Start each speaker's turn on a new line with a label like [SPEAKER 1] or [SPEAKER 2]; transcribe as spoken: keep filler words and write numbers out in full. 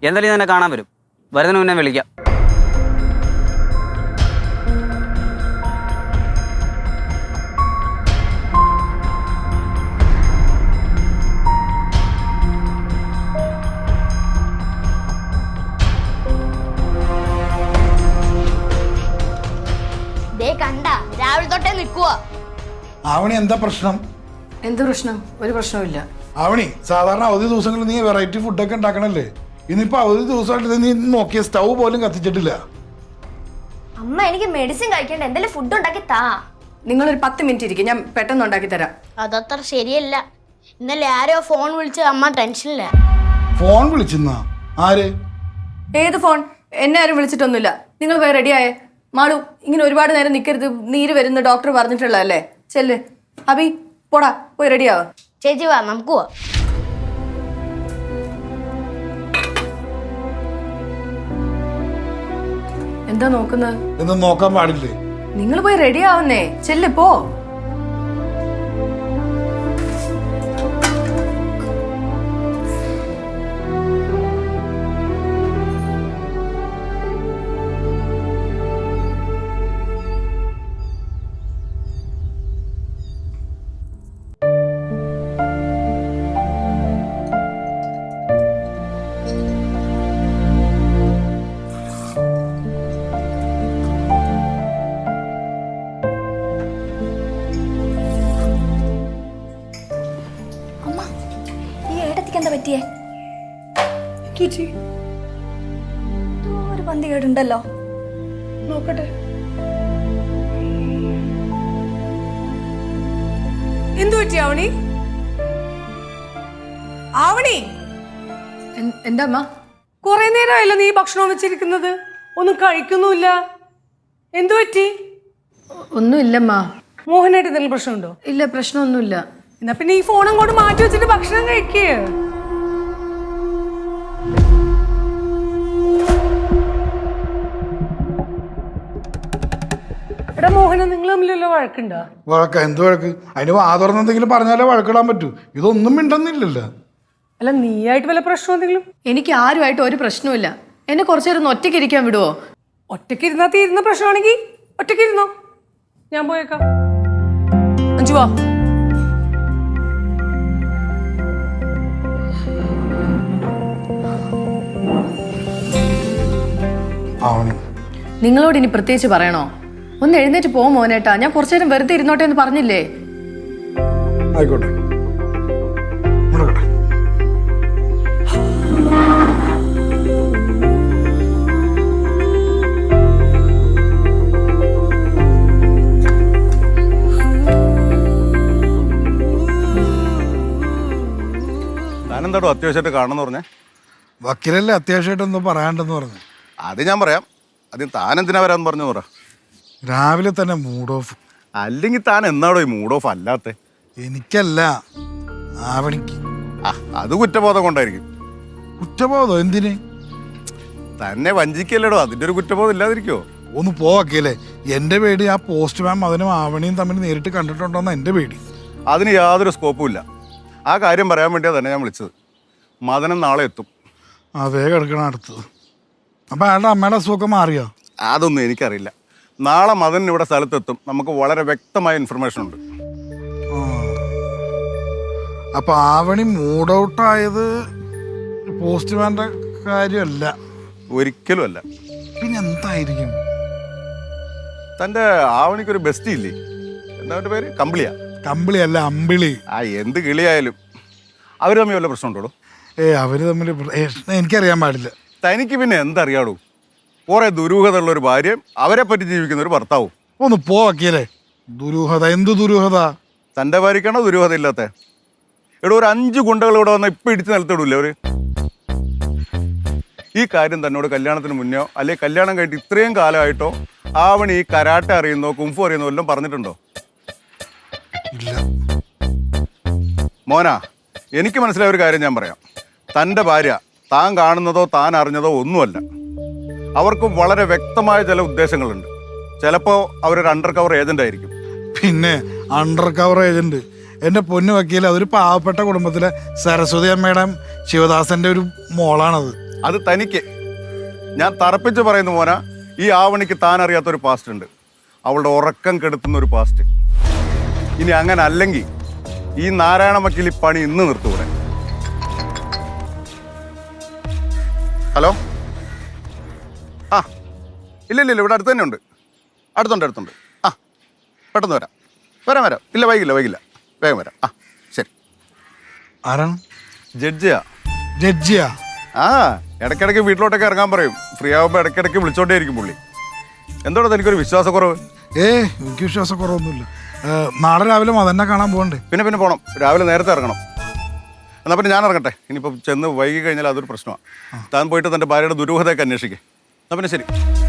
[SPEAKER 1] എന്തായാലും തന്നെ കാണാൻ വരും. വരുന്നതിന് മുന്നേ വിളിക്കാം.
[SPEAKER 2] കണ്ട രാവിലെ തൊട്ടേ നിൽക്കുക.
[SPEAKER 3] ആവണി എന്താ പ്രശ്നം?
[SPEAKER 4] എന്ത് പ്രശ്നം? ഒരു പ്രശ്നവുമില്ല.
[SPEAKER 3] ആവണി, സാധാരണ അവധി ദിവസങ്ങളിൽ നീ വെറൈറ്റി ഫുഡൊക്കെ ഉണ്ടാക്കണല്ലേ? ഇന്നിപ്പോ അവധി ദിവസമായിട്ട് നീ നോക്കിയ സ്റ്റൗ പോലും കത്തിച്ചിട്ടില്ല.
[SPEAKER 2] അമ്മ എനിക്ക് മെഡിസിൻ കഴിക്കേണ്ട, എന്തെങ്കിലും ഫുഡ് ഉണ്ടാക്കി താ.
[SPEAKER 4] നിങ്ങളൊരു പത്ത് മിനിറ്റ് ഇരിക്കും, ഞാൻ പെട്ടെന്ന് ഉണ്ടാക്കി തരാം.
[SPEAKER 2] അതത്ര ശരിയല്ല. ഇന്നലെ ആരോ ഫോൺ വിളിച്ച് അമ്മ ടെൻഷനില്ല.
[SPEAKER 3] ഫോൺ വിളിച്ചെന്നാ? ആര്?
[SPEAKER 4] ഏത് ഫോൺ? എന്നെ ആരും വിളിച്ചിട്ടൊന്നുമില്ല. നിങ്ങൾ പോയി റെഡിയായേ. മാളു, ഇങ്ങനെ ഒരുപാട് നേരം നിൽക്കരുത്, നീര് വരുന്ന ഡോക്ടർ പറഞ്ഞിട്ടുള്ളതല്ലേ. ചെല്ല്. അബി, പോടാ, പോയി റെഡിയാവ.
[SPEAKER 2] ചേച്ചി വാ, നമുക്ക് പോവാ.
[SPEAKER 4] എന്താ നോക്കുന്നത്?
[SPEAKER 3] എന്ന് നോക്കാൻ പാടില്ലേ?
[SPEAKER 4] നിങ്ങൾ പോയി റെഡി ആവുന്നേ. ചെല്ല്, പോ.
[SPEAKER 2] എന്താ പറ്റിയേ? ഒരു പന്തി കേടുണ്ടല്ലോ.
[SPEAKER 4] നോക്കട്ടെ. എന്തു പറ്റി ആവണി? ആവണി, എന്താ അമ്മ?
[SPEAKER 5] കുറെ നേരമായല്ലോ നീ ഭക്ഷണം വെച്ചിരിക്കുന്നത്, ഒന്നും കഴിക്കുന്നുമില്ല. എന്തു പറ്റി?
[SPEAKER 4] ഒന്നുമില്ലമ്മ.
[SPEAKER 5] മോഹനായിട്ട് എന്തെങ്കിലും പ്രശ്നമുണ്ടോ?
[SPEAKER 4] ഇല്ല, പ്രശ്നമൊന്നുമില്ല.
[SPEAKER 5] എന്നാ പിന്നെ ഈ ഫോൺ അങ്ങോട്ട് മാറ്റി വെച്ചിട്ട് ഭക്ഷണം കഴിക്കേ. എടാ മോഹന, നിങ്ങൾ തമ്മിലുള്ള വഴക്കുണ്ടോ?
[SPEAKER 3] വഴക്ക? എന്ത് വഴക്ക്? അതിന് വാതുറന്ന് എന്തെങ്കിലും പറഞ്ഞാലേ വഴക്കിടാൻ പറ്റൂ. ഇതൊന്നും മിണ്ടുന്നില്ലല്ലോ.
[SPEAKER 5] അല്ല, നീയായിട്ട് വല്ല പ്രശ്നം എന്തെങ്കിലും?
[SPEAKER 4] എനിക്ക് ആരുമായിട്ട് ഒരു പ്രശ്നവുമില്ല. എന്നെ കുറച്ചു നേരം ഒറ്റയ്ക്ക് ഇരിക്കാൻ വിടുവോ?
[SPEAKER 5] ഒറ്റയ്ക്ക് ഇരുന്നാ തീരുന്ന പ്രശ്നമാണെങ്കിൽ ഒറ്റയ്ക്ക് ഇരുന്നോ, ഞാൻ പോയേക്കാം. അഞ്ചു വാ.
[SPEAKER 4] നിങ്ങളോട് ഇനി പ്രത്യേകിച്ച് പറയണോ? ഒന്ന് എഴുന്നേറ്റ് പോ മോനേട്ടാ. ഞാൻ കുറച്ചു നേരം വെറുതെ ഇരുന്നോട്ടെ എന്ന് പറഞ്ഞില്ലേ?
[SPEAKER 3] ആയിക്കോട്ടെ.
[SPEAKER 6] താനെന്താടോ അത്യാവശ്യമായിട്ട് കാണണമെന്ന് പറഞ്ഞേ?
[SPEAKER 3] വക്കീലല്ലേ അത്യാവശ്യമായിട്ടൊന്നും പറയാണ്ടെന്ന് പറഞ്ഞു.
[SPEAKER 6] അത് ഞാൻ പറയാം. ആദ്യം താൻ എന്തിനാ വരാന്ന് പറഞ്ഞു പറ.
[SPEAKER 3] രാവിലെ തന്നെ മൂഡ് ഓഫ്.
[SPEAKER 6] അല്ലെങ്കിൽ താൻ എന്നാടോ ഈ മൂഡ് ഓഫ് അല്ലാത്ത?
[SPEAKER 3] എനിക്കല്ല, ആവണിക്ക്.
[SPEAKER 6] ആ, അത് കുറ്റബോധം കൊണ്ടായിരിക്കും.
[SPEAKER 3] കുറ്റബോധം എന്തിന്?
[SPEAKER 6] തന്നെ വഞ്ചിക്കല്ലേടോ, അതിന്റെ ഒരു കുറ്റബോധം ഇല്ലാതിരിക്കോ?
[SPEAKER 3] ഒന്ന് പോവക്കല്ലേ. എന്റെ പേടി ആ പോസ്റ്റ് മാം അതിനും ആവണിയും തമ്മിൽ നേരിട്ട് കണ്ടിട്ടുണ്ടോന്ന് എന്റെ പേടി.
[SPEAKER 6] അതിന് യാതൊരു സ്കോപ്പും ഇല്ല. ആ കാര്യം പറയാൻ വേണ്ടിയാണ് തന്നെ ഞാൻ വിളിച്ചത്. മദനം നാളെ എത്തും.
[SPEAKER 3] അതേ കിടക്കണം അടുത്തത്. അപ്പൊ അയാളുടെ അമ്മയുടെ അസുഖമൊക്കെ മാറിയോ?
[SPEAKER 6] അതൊന്നും എനിക്കറിയില്ല. നാളെ മദൻ ഇവിടെ സ്ഥലത്തെത്തും. നമുക്ക് വളരെ വ്യക്തമായ ഇൻഫർമേഷൻ ഉണ്ട്.
[SPEAKER 3] അപ്പൊ ആവണി മൂഡ് ഔട്ടായത് പോസ്റ്റ്മാന്റെ കാര്യമല്ല?
[SPEAKER 6] ഒരിക്കലും അല്ല.
[SPEAKER 3] പിന്നെ എന്തായിരിക്കും?
[SPEAKER 6] തന്റെ ആവണിക്കൊരു ബെസ്റ്റ് ഇല്ലേ? എന്താ അവന്റെ പേര്? കമ്പിളിയാ?
[SPEAKER 3] കമ്പിളി അല്ല, അമ്പിളി.
[SPEAKER 6] ആ, എന്ത് കിളിയായാലും അവർ തമ്മിൽ വല്ല പ്രശ്നമുണ്ടോ?
[SPEAKER 3] ഏ അവര് തമ്മിൽ എനിക്കറിയാൻ പാടില്ല.
[SPEAKER 6] തനിക്ക് പിന്നെ എന്തറിയാടൂ? കുറെ ദുരൂഹതയുള്ള ഒരു ഭാര്യയും അവരെ പറ്റി ജീവിക്കുന്ന ഒരു ഭർത്താവും.
[SPEAKER 3] ഒന്ന് പോവക്കല്ലേ. ദുരൂഹത? എന്ത് ദുരൂഹത?
[SPEAKER 6] തന്റെ ഭാര്യക്കാണോ ദുരൂഹത ഇല്ലാത്ത? എടോ, ഒരു അഞ്ച് ഗുണ്ടകൾ ഇവിടെ വന്നാൽ ഇപ്പൊ ഇടിച്ച് നിലത്തിടൂല്ലേ അവര്? ഈ കാര്യം തന്നോട് കല്യാണത്തിന് മുന്നോ അല്ലെങ്കിൽ കല്യാണം കഴിഞ്ഞിട്ട് ഇത്രയും കാലമായിട്ടോ ആവണി ഈ കരാട്ടെ അറിയുന്നോ കുംഫു അറിയുന്നോ എല്ലാം പറഞ്ഞിട്ടുണ്ടോ?
[SPEAKER 3] ഇല്ല
[SPEAKER 6] മോന, എനിക്ക് മനസ്സിലായ ഒരു കാര്യം ഞാൻ പറയാം. തൻ്റെ ഭാര്യ താൻ കാണുന്നതോ താൻ അറിഞ്ഞതോ ഒന്നുമല്ല. അവർക്ക് വളരെ വ്യക്തമായ ചില ഉദ്ദേശങ്ങളുണ്ട്. ചിലപ്പോൾ അവരൊരു അണ്ടർ കവർ ഏജന്റ് ആയിരിക്കും.
[SPEAKER 3] പിന്നെ അണ്ടർ കവർ ഏജന്റ്? എൻ്റെ പൊന്നു വക്കീൽ, അതൊരു പാവപ്പെട്ട കുടുംബത്തിലെ സരസ്വതി അമ്മയുടെ ശിവദാസന്റെ ഒരു മോളാണത്.
[SPEAKER 6] അത് തനിക്ക്. ഞാൻ തറപ്പിച്ച് പറയുന്നു മോന, ഈ ആവണിക്ക് താൻ അറിയാത്തൊരു പാസ്റ്റ് ഉണ്ട്. അവളുടെ ഉറക്കം കെടുത്തുന്ന ഒരു പാസ്റ്റ്. ഇനി അങ്ങനെ അല്ലെങ്കിൽ ഈ നാരായണ വക്കീൽ ഈ പണി ഇന്ന് നിർത്തൂടെ. ഹലോ, ആ ഇല്ല ഇല്ല ഇല്ല ഇവിടെ അടുത്ത് തന്നെ ഉണ്ട്. അടുത്തുണ്ട് അടുത്തുണ്ട്. ആ പെട്ടെന്ന് വരാം വരാം വരാം. ഇല്ല വൈകില്ല വൈകില്ല വേഗം വരാം. ആ ശരി.
[SPEAKER 3] ആരാണ്?
[SPEAKER 6] ജഡ്ജിയാ.
[SPEAKER 3] ജഡ്ജിയാ?
[SPEAKER 6] ആ ഇടയ്ക്കിടയ്ക്ക് വീട്ടിലോട്ടൊക്കെ ഇറങ്ങാൻ പറയും. ഫ്രീ ആകുമ്പോൾ ഇടയ്ക്കിടയ്ക്ക് വിളിച്ചോണ്ടേ ഇരിക്കും പുള്ളി. എന്തോടാ തനിക്കൊരു വിശ്വാസക്കുറവ്?
[SPEAKER 3] ഏ എനിക്ക് വിശ്വാസക്കുറവൊന്നുമില്ല. നാളെ രാവിലെ മതന്നെ കാണാൻ പോകണ്ടേ?
[SPEAKER 6] പിന്നെ പിന്നെ പോകണം. രാവിലെ നേരത്തെ ഇറങ്ങണം. എന്നാൽ പിന്നെ ഞാൻ ഇറങ്ങട്ടെ. ഇനിയിപ്പം ചെന്ന് വൈകി കഴിഞ്ഞാൽ അതൊരു പ്രശ്നമാണ്. താൻ പോയിട്ട് തൻ്റെ ഭാര്യയുടെ ദുരൂഹതയൊക്കെ അന്വേഷിക്കേ. എന്നാൽ പിന്നെ ശരി.